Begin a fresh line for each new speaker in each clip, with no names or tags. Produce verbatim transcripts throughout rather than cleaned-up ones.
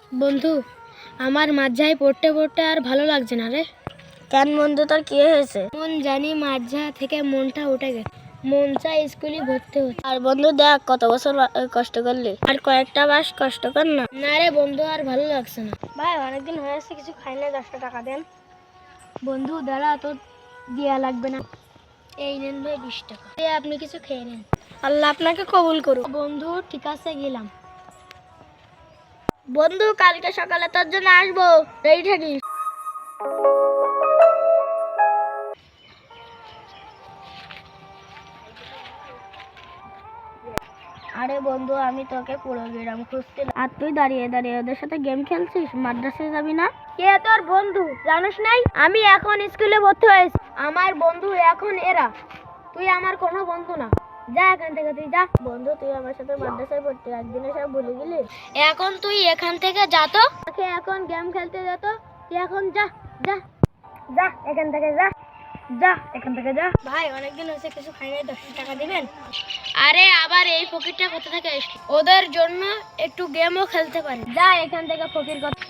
বন্ধু, আমার মাঝায় পড়তে পড়তে আর ভালো লাগছে না রে।
কেন বন্ধু, তোর কি হয়েছে?
মন জানি মাঝা থেকে মনটা উঠে গেছে, মন চাই স্কুলে ভর্তি হতে।
আর বন্ধু দেখ, কত বছর বা- কষ্ট করলি, আর কয়েকটা মাস কষ্ট কর না।
না রে বন্ধু, আর ভালো লাগছে না।
ভাই অনেকদিন হয়েছে কিছু খাই না, দশটা টাকা দেন।
বন্ধু দাঁড়া, তো দেয়া লাগবে না। এই নেন ভাই বিশ টাকা, এই আপনি কিছু খেয়ে নেন।
আল্লাহ আপনাকে কবুল করুক।
বন্ধু ঠিক আছে, গেলাম।
বন্ধু কালকে সকালে তোর জন্য আসবো, রেডি থাকিস। আরে বন্ধু, আমি তোকে পুরো গ্রাম খুঁজছিলাম, আর তুই দাঁড়িয়ে দাঁড়িয়ে ওদের সাথে গেম খেলছিস। মাদ্রাসায় যাবি না?
কে তোর বন্ধু জানিস নাই? আমি এখন স্কুলে ভর্তি হয়েছি, আমার বন্ধু এখন এরা। তুই আমার কোনো বন্ধু না, যা এখান থেকে, তুই যা।
বন্ধু তুই আমার সাথে মাদ্রাসায় পড়তি, একদিনে সব ভুলে গেলি।
এখন তুই এখান থেকে যা তো, তাকে এখন গেম খেলতে যা তো। তুই এখন যা, যা যা এখান থেকে, যা যা এখান থেকে যা।
ভাই অনেকদিন হয়েছে কিছু খাই নাই, দশ টাকা দিবেন?
আরে আবার এই ফকিরটা কোথা থেকে এসছে? ওদের জন্য একটু গেমও খেলতে পারি, যা এখান থেকে ফকির কথা।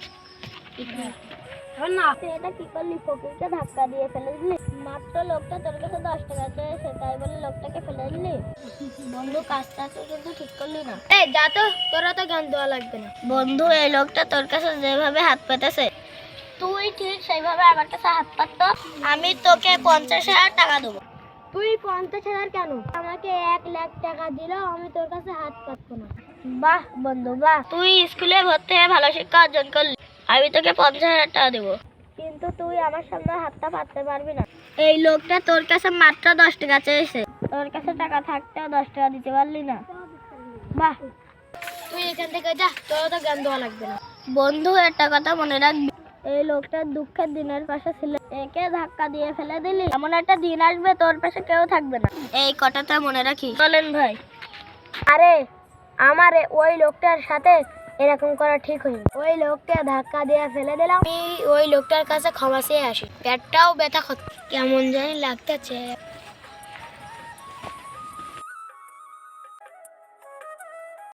না তুই এটা কি করলি? ফকিরকে ধাক্কা দিয়ে ফেলে দিলি। মাত্র লোকটা তোর কাছে দশ টাকা চেয়েছে, তাই বলে লোকটাকে ফেলে দিলি। বন্ধু কাজটা তুই কিন্তু ঠিক করলি না।
এই যা তো, তোরা তো গান দেওয়া লাগবে না।
বন্ধু এই লোকটা তোর কাছে যেভাবে হাত পেতেছে, তুই ঠিক সেইভাবে আমার কাছে হাত পাতত। আমি তোকে পঞ্চাশ হাজার টাকা দেবো।
তুই পঞ্চাশ হাজার কেন, আমাকে এক লাখ টাকা দিলেও আমি তোর কাছে হাত পাতবো না।
বাহ বন্ধু বাহ, তুই স্কুলে ভর্তি হয়ে ভালো শিক্ষা অর্জন করলি, আমি তোকে পঞ্চাশ হাজার টাকা দেবো। কিন্তু তুই আমার সামনে হাতটা পাততে পারবি না। এই লোকটা তোর কাছে মাত্র দশ টাকা চেয়েছে, তোর কাছে টাকা থাকতেও দশ টাকা দিতে পারলি না। বাহ।
তুই এখান থেকে যা, তোরা তো গান দেওয়া লাগবে না।
বন্ধু একটা কথা মনে রাখবি, এই লোকটার দুঃখের দিনের পাশে ছিল, একে ধাক্কা দিয়ে ফেলে দিলি, এমন একটা দিন আসবে তোর পাশে কেউ থাকবে না। এই কথাটা মনে রাখি। বলেন ভাই।
আরে আমার এ- ওই লোকটার সাথে এরকম করা ঠিক হয়নি। ওই লোককে ধাক্কা দিয়ে ফেলে দিলাম, আমি ওই লোকটার কাছে ক্ষমা চেয়ে আসি। পেটটাও ব্যথা করছে, কেমন জানি লাগতেছে।